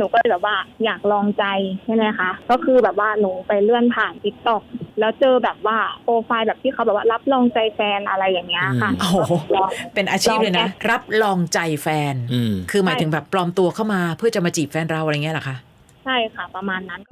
นูก็เลยแบบว่าอยากลองใจใช่ไหมคะก็คือแบบว่าหนูไปเลื่อนผ่าน TikTok แล้วเจอแบบว่าโปรไฟล์แบบที่เขาแบบว่ารับลองใจแฟนอะไรอย่างเงี้ยค่ะโอ้โหเป็นอาชีพเลยนะรับลองใจแฟนคือหมายถึงแบบปลอมตัวเข้ามาเพื่อจะมาจีบแฟนเราอะไรเงี้ยเหรอคะใช่ค่ะประมาณนั้น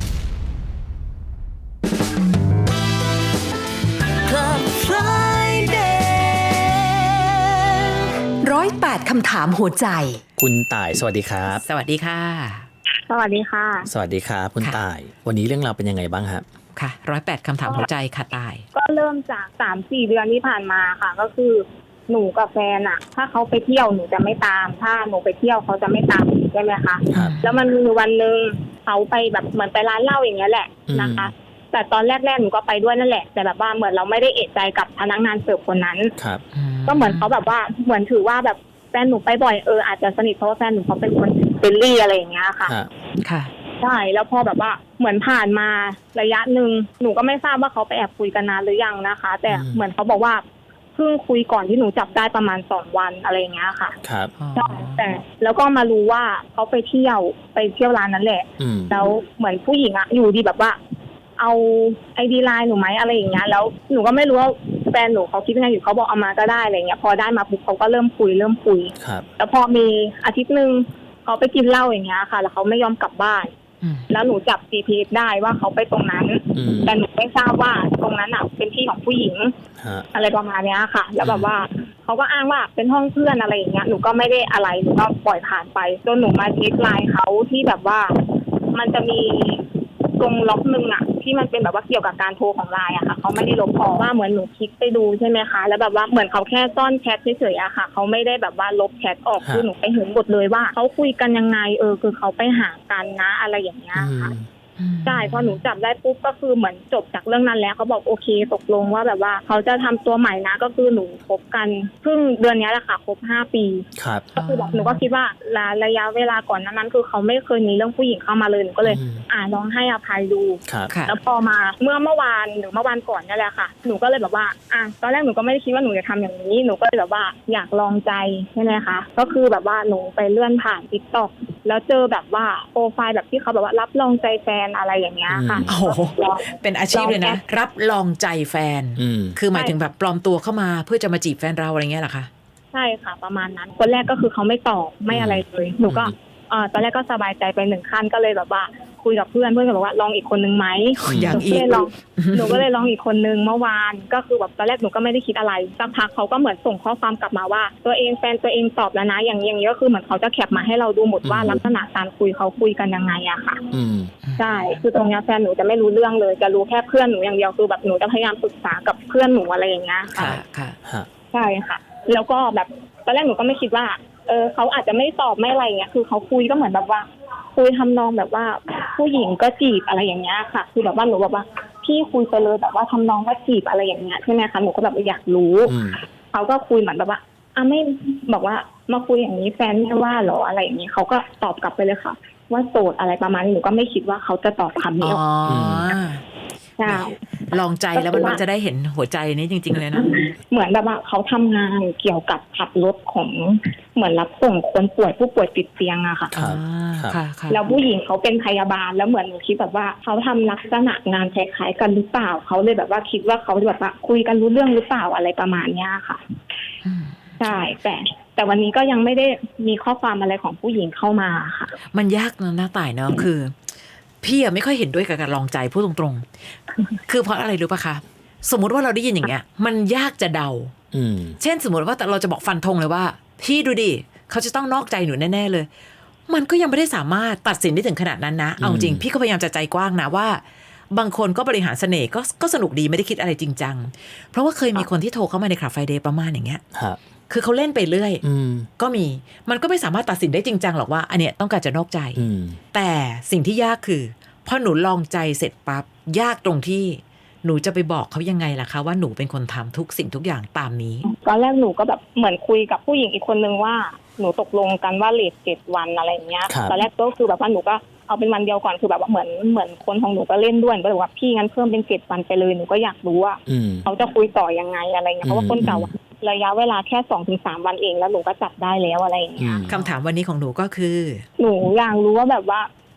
108 คำถามหัวใจคุณต่ายสวัสดีครับสวัสดีค่ะสวัสดีค่ะสวัสดีครับคุณต่ายวันนี้เรื่องราวเป็นยังไงบ้างครับค่ะ108 คำถามหัวใจค่ะต่ายก็เริ่มจาก 3-4 เดือนที่ผ่านมาค่ะก็คือหนูกับแฟนอะถ้าเขาไปเที่ยวหนูจะไม่ตามถ้าหนูไปเที่ยวเขาจะไม่ตามใช่ไหมคะแล้วมันมีวันนึงเขาไปแบบเหมือนไปร้านเหล้าอย่างเงี้ยแหละนะคะแต่ตอนแรกๆหนูก็ไปด้วยนั่นแหละแต่แบบว่าเหมือนเราไม่ได้เอะใจกับพนักงานเสิร์ฟคนนั้นก็เหมือนเขาแบบว่าเหมือนถือว่าแบบแฟนหนูไปบ่อยอาจจะสนิทเพราะว่าแฟนหนูเขาเป็นคนเฟรนลี่อะไรอย่างเงี้ยค่ะค่ะใช่แล้วพอแบบว่าเหมือนผ่านมาระยะนึงหนูก็ไม่ทราบว่าเขาไปแอบคุยกันนานหรือยังนะคะแต่เหมือนเขาบอกว่าเพิ่งคุยก่อนที่หนูจับได้ประมาณ2 วันอะไรอย่างเงี้ยค่ะครับใช่แต่แล้วก็มารู้ว่าเขาไปเที่ยวร้านนั้นแหละแล้วเหมือนผู้หญิงอะอยู่ดีแบบว่าเอาID ไลน์หนูไหมอะไรอย่างเงี้ยแล้วหนูก็ไม่รู้ว่าแฟนหนูเขาคิดยังไงอยู่เขาบอกเอามาก็ได้อะไรเงี้ยพอได้มาปุ๊บเขาก็เริ่มคุยครับแล้วพอมีอาทิตย์นึงเขาไปกินเหล้าอย่างเงี้ยค่ะแล้วเขาไม่ยอมกลับบ้านแล้วหนูจับ GPS ได้ว่าเขาไปตรงนั้นแต่หนูไม่ทราบว่าตรงนั้นอ่ะเป็นที่ของผู้หญิงอะไรประมาณนี้ค่ะแล้วแบบว่าเขาก็อ้างว่าเป็นห้องเพื่อนอะไรอย่างเงี้ยหนูก็ไม่ได้อะไรหนูก็ปล่อยผ่านไปจนหนูมาเช็คไลน์เขาที่แบบว่ามันจะมีตรงล็อกนึงอ่ะที่มันเป็นแบบว่าเกี่ยวกับการโทรของไลน์อะค่ะเขาไม่ได้ลบออกว่าเหมือนหนูคลิกไปดูใช่ไหมคะแล้วแบบว่าเหมือนเขาแค่ซ่อนแชทเฉยๆอะค่ะเขาไม่ได้แบบว่าลบแชทออกคือหนูไปเห็นหมดเลยว่าเขาคุยกันยังไงคือเขาไปหากันนะอะไรอย่างเงี้ยค่ะใช่พอหนูจับได้ปุ๊บก็คือเหมือนจบจากเรื่องนั้นแล้วเขาบอกโอเคตกลงว่าแบบว่าเขาจะทำตัวใหม่นะก็คือหนูคบกันเพิ่งเดือนนี้แหละค่ะครบ5 ปีก็คือแบบหนูก็คิดว่าระยะเวลาก่อนนั้นคือเขาไม่เคยมีเรื่องผู้หญิงเข้ามาเลยหนูก็เลยลองให้อภัยดูแล้วพอมาเมื่อวานหรือเมื่อวานก่อนนี่แหละค่ะหนูก็เลยแบบว่าตอนแรกหนูก็ไม่ได้คิดว่าหนูจะทำอย่างนี้หนูก็เลยแบบว่าอยากลองใจใช่ไหมคะก็คือแบบว่าหนูไปเลื่อนผ่าน TikTok แล้วเจอแบบว่าโปรไฟล์แบบที่เขาแบบว่ารับลองใจแฟนอะไรอย่างเงี้ยค่ะโอ้โหเป็นอาชีพเลยนะรับลองใจแฟนคือหมายถึงแบบปลอมตัวเข้ามาเพื่อจะมาจีบแฟนเราอะไรเงี้ยเหรอคะใช่ค่ะประมาณนั้นคนแรกก็คือเขาไม่ตอบไม่อะไรเลยหนูก็ตอนแรกก็สบายใจไป1 ขั้นก็เลยแบบว่าคุยกับเพื่อนก็บอกว่าลองอีกคนนึงไหมอย่างอีกหนูก็เลยลองอีกคนนึงเมื่อวานก็คือแบบตอนแรกหนูก็ไม่ได้คิดอะไรสักพักเขาก็เหมือนส่งข้อความกลับมาว่าตัวเองแฟนตัวเองตอบแล้วนะอย่างนี้ก็คือเหมือนเขาจะแคปมาให้เราดูหมดว่าลักษณะการคุยเขาคุยกันยังไงอะค่ะใช่คือตรงนี้แฟนหนูจะไม่รู้เรื่องเลยจะรู้แค่เพื่อนหนูอย่างเดียวคือแบบหนูจะพยายามปรึกษากับเพื่อนหนูอะไรอย่างเงี้ยค่ะใช่ค่ะแล้วก็แบบตอนแรกหนูก็ไม่คิดว่าเขาอาจจะไม่ตอบไม่อะไรเงี้ยคือเขาคุยก็เหมือนแบบว่าคุยทำนองแบบว่าผู้หญิงก็จีบอะไรอย่างเงี้ยค่ะคือแบบว่าหนูแบบว่าพี่คุยไปเลยแบบว่าทำนองว่าจีบอะไรอย่างเงี้ยใช่ไหมคะหนูก็แบบอยากรู้เขาก็คุยเหมือนแบบว่าไม่บอกว่ามาคุยอย่างนี้แฟนไม่ว่าหรออะไรอย่างนี้เขาก็ตอบกลับไปเลยค่ะว่าโสดอะไรประมาณนี้หนูก็ไม่คิดว่าเขาจะตอบคำนี้ออกใช่ลองใจแล้วมันจะได้เห็นหัวใจนี้จริงๆเลยนะเหมือนแบบว่าเขาทำงานเกี่ยวกับขับรถของเหมือนรับส่งคนป่วยผู้ป่วยติดเตียงอะค่ะแล้วผู้หญิงเขาเป็นพยาบาลแล้วเหมือนหนูคิดแบบว่าเขาทำลักษณะงานคล้ายๆกันหรือเปล่าเขาเลยแบบว่าคิดว่าเขาแบบว่าคุยกันรู้เรื่องหรือเปล่าอะไรประมาณนี้ค่ะใช่แต่วันนี้ก็ยังไม่ได้มีข้อความอะไรของผู้หญิงเข้ามาค่ะมันยากนะต่ายเนาะคือพี่อะไม่ค่อยเห็นด้วยกับการลองใจพูดตรงๆคือเพราะอะไรรู้ป่ะคะสมมติว่าเราได้ยินอย่างเงี้ยมันยากจะเดาเช่นสมมติว่าเราจะบอกฟันธงเลยว่าพี่ดูดิเขาจะต้องนอกใจหนูแน่ๆเลยมันก็ยังไม่ได้สามารถตัดสินได้ถึงขนาดนั้นนะเอาจริงพี่ก็พยายามจะใจกว้างนะว่าบางคนก็บริหารเสน่ห์ก็สนุกดีไม่ได้คิดอะไรจริงจังเพราะว่าเคยมีคนที่โทรเข้ามาในคลับไฟเดย์ประมาณอย่างเงี้ยคือเขาเล่นไปเรื่อยก็มันก็ไม่สามารถตัดสินได้จริงจังหรอกว่าอันเนี้ยต้องการจะนอกใจแต่สิ่งที่ยากคือพอหนูลองใจเสร็จปั๊บยากตรงที่หนูจะไปบอกเขายังไงล่ะคะว่าหนูเป็นคนทำทุกสิ่งทุกอย่างตามนี้ตอนแรกหนูก็แบบเหมือนคุยกับผู้หญิงอีกคนนึงว่าหนูตกลงกันว่าเลท7 วันอะไรอย่างเงี้ยตอนแรกก็คือแบบว่าหนูก็เอาเป็นวันเดียวก่อนคือแบบว่าเหมือนคนของหนูก็เล่นด้วยก็เลยว่าพี่งั้นเพิ่มเป็น7 วันไปเลยหนูก็อยากรู้ว่าเขาจะคุยต่อยังไงอะไรเงี้ยเพราะว่าคนเก่าระยะเวลาแค่ 2-3 วันเองแล้วหนูก็จับได้แล้วอะไรอย่างเงี้ยคำถามวันนี้ของหนูก็คือหนูอยากรู้ว่าแบบว่า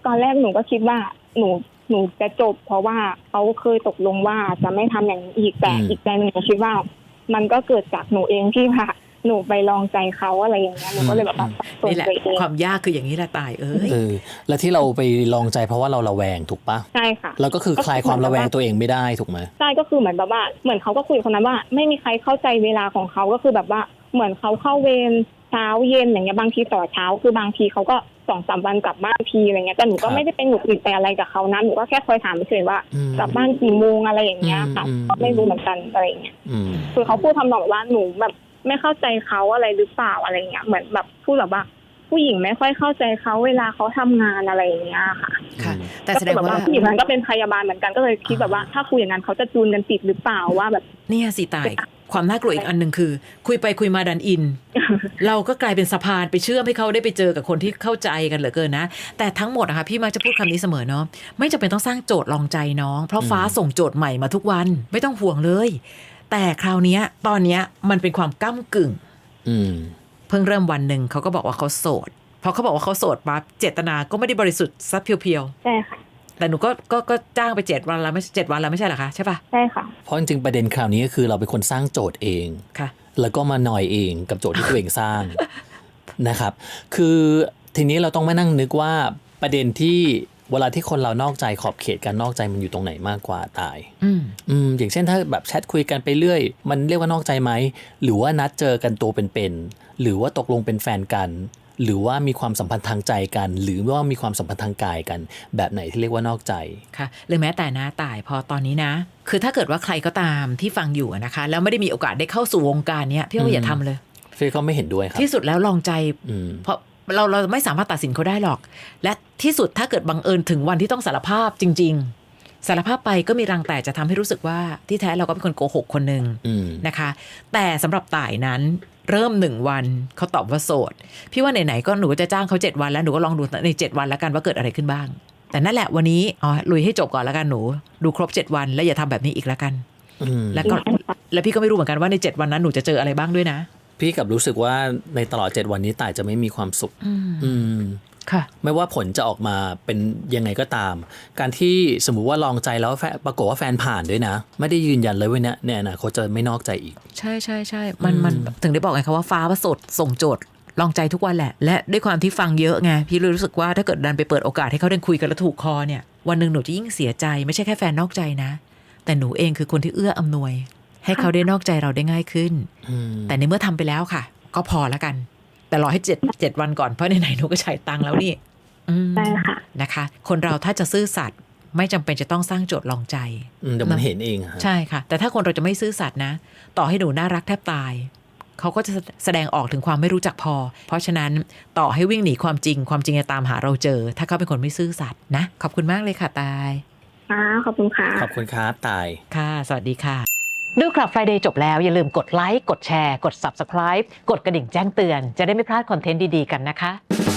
ตอนแรกหนูก็คิดว่าหนูจะจบเพราะว่าเขาเคยตกลงว่าจะไม่ทำอย่างนี้อีกแต่อีกใจหนึ่งหนูคิดว่ามันก็เกิดจากหนูเองที่ค่ะหนูไปลองใจเขาอะไรอย่างเงี้ยหนูก็เลยแบบว่านี่แหละความยากคืออย่างนี้แหละตายแล้วที่เราไปลองใจเพราะว่าเราระแวงถูกปะใช่ค่ะแล้วก็คือคลายความระแวงตัวเองไม่ได้ถูกไหมใช่ก็คือเหมือนแบบว่าเหมือนเขาก็คุยกับคนนั้นว่าไม่มีใครเข้าใจเวลาของเขาก็คือแบบว่าเหมือนเขาเข้าเวรเช้าเย็นอย่างเงี้ยบางทีต่อเช้าคือบางทีเขาก็2-3 วันกลับบ้านทีอะไรเงี้ยแต่หนูก็ไม่ได้เป็นหงุดหงิดไปอะไรกับเขานะหนูก็แค่คอยถามเฉยๆว่ากลับบ้านกี่โมงอะไรอย่างเงี้ยค่ะก็ไม่รู้เหมือนกันอะไรอย่างเงี้ยคือเขาพูดทำนองว่าหนูแบบไม่เข้าใจเขาอะไรหรือเปล่าอะไรเงี้ยเหมือนแบบพูดแบบว่าผู้หญิงไม่ค่อยเข้าใจเขาเวลาเขาทำงานอะไรอย่างเงี้ยค่ะแต่แสดงว่าผู้หญิงนั้นก็เป็นพยาบาลเหมือนกันก็เลยคิดแบบว่าถ้าคุยอย่างนั้นเขาจะจูนกันติดหรือเปล่าว่าแบบเนี่ยสิตายความน่ากลัวอีกอันนึงคือคุยไปคุยมาดันอิน เราก็กลายเป็นสะพานไปเชื่อมให้เขาได้ไปเจอกับคนที่เข้าใจกันเหลือเกินนะแต่ทั้งหมดนะคะพี่มักจะพูดคำนี้เสมอเนาะไม่จำเป็นต้องสร้างโจทย์ลองใจน้องเพราะฟ้าส่งโจทย์ใหม่มาทุกวันไม่ต้องห่วงเลยแต่คราวนี้ตอนนี้มันเป็นความก้ำกึ่งเพิ่งเริ่มวันหนึ่งเขาก็บอกว่าเขาโสดพอเขาบอกว่าเขาโสดปั๊บเจตนาก็ไม่ได้บริสุทธิ์ซับเพียวๆใช่ค่ะแต่หนูก็จ้างไป7 วันแล้วไม่7 วันแล้วไม่ใช่เหรอคะใช่ปะใช่ค่ะเพราะจริงๆประเด็นคราวนี้ก็คือเราเป็นคนสร้างโจทย์เองค่ะแล้วก็มาหน่อยเองกับโจทย์ที่ตัวเองสร้าง นะครับคือทีนี้เราต้องมานั่งนึกว่าประเด็นที่เวลาที่คนเรานอกใจขอบเขตการนอกใจมันอยู่ตรงไหนมากกว่าตายอย่างเช่นถ้าแบบแชทคุยกันไปเรื่อยมันเรียกว่านอกใจไหมหรือว่านัดเจอกันตัวเป็นๆหรือว่าตกลงเป็นแฟนกันหรือว่ามีความสัมพันธ์ทางใจกันหรือว่ามีความสัมพันธ์ทางกายกันแบบไหนที่เรียกว่านอกใจค่ะหรือแม้แต่นะตายพอตอนนี้นะคือถ้าเกิดว่าใครก็ตามที่ฟังอยู่นะคะแล้วไม่ได้มีโอกาสได้เข้าสู่วงการเนี้ยพี่ว่าอย่าทำเลยพี่ก็ไม่เห็นด้วยครับที่สุดแล้วลองใจเพราะเราไม่สามารถตัดสินเขาได้หรอกและที่สุดถ้าเกิดบังเอิญถึงวันที่ต้องสารภาพจริงๆสารภาพไปก็มีรังแต่จะทำให้รู้สึกว่าที่แท้เราก็เป็นคนโกหกคนหนึ่งนะคะแต่สำหรับต่ายนั้นเริ่ม1 วันเขาตอบว่าโสดพี่ว่าไหนๆก็หนูจะจ้างเขา7 วันแล้วหนูก็ลองดูใน7 วันแล้วกันว่าเกิดอะไรขึ้นบ้างแต่นั่นแหละวันนี้ลุยให้จบก่อนแล้วกันหนูดูครบ7 วันแล้วอย่าทำแบบนี้อีกแล้วกันแล้วพี่ก็ไม่รู้เหมือนกันว่าใน7 วันนั้นหนูจะเจออะไรบ้างด้วยนะพี่กับรู้สึกว่าในตลอด7 วันนี้ต่ายจะไม่มีความสุขค่ะไม่ว่าผลจะออกมาเป็นยังไงก็ตามการที่สมมุติว่าลองใจแล้วปรากฏว่าแฟนผ่านด้วยนะไม่ได้ยืนยันเลยว่าเนี่ยนะเขาจะไม่นอกใจอีกใช่ใช่ใช่มันถึงได้บอกไงคะว่าฟ้าประสดส่งโจทย์ลองใจทุกวันแหละและด้วยความที่ฟังเยอะไงพี่เลยรู้สึกว่าถ้าเกิดดันไปเปิดโอกาสให้เขาได้คุยกันแล้วถูกคอเนี่ยวันหนึ่งหนูจะยิ่งเสียใจไม่ใช่แค่แฟนนอกใจนะแต่หนูเองคือคนที่เอื้ออำนวยให้เขาได้นอกใจเราได้ง่ายขึ้นแต่ในเมื่อทำไปแล้วค่ะก็พอแล้วกันแต่รอให้7 วันก่อนเพราะไหนๆหนูก็ใช้ตังค์แล้วนี่ใช่ค่ะนะคะคนเราถ้าจะซื่อสัตย์ไม่จำเป็นจะต้องสร้างโจทย์ลองใจเดี๋ยวมันเห็นเองใช่ค่ะแต่ถ้าคนเราจะไม่ซื่อสัตย์นะต่อให้หนูน่ารักแทบตายเขาก็จะแสดงออกถึงความไม่รู้จักพอเพราะฉะนั้นต่อให้วิ่งหนีความจริงจะตามหาเราเจอถ้าเขาเป็นคนไม่ซื่อสัตย์นะขอบคุณมากเลยค่ะตายขอบคุณค่ะขอบคุณครับตายค่ะสวัสดีค่ะดู Club Friday จบแล้วอย่าลืมกดไลค์กดแชร์กด Subscribe กดกระดิ่งแจ้งเตือนจะได้ไม่พลาดคอนเทนต์ดีๆกันนะคะ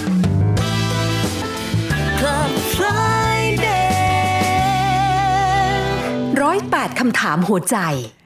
Club Friday 108 คำถามหัวใจ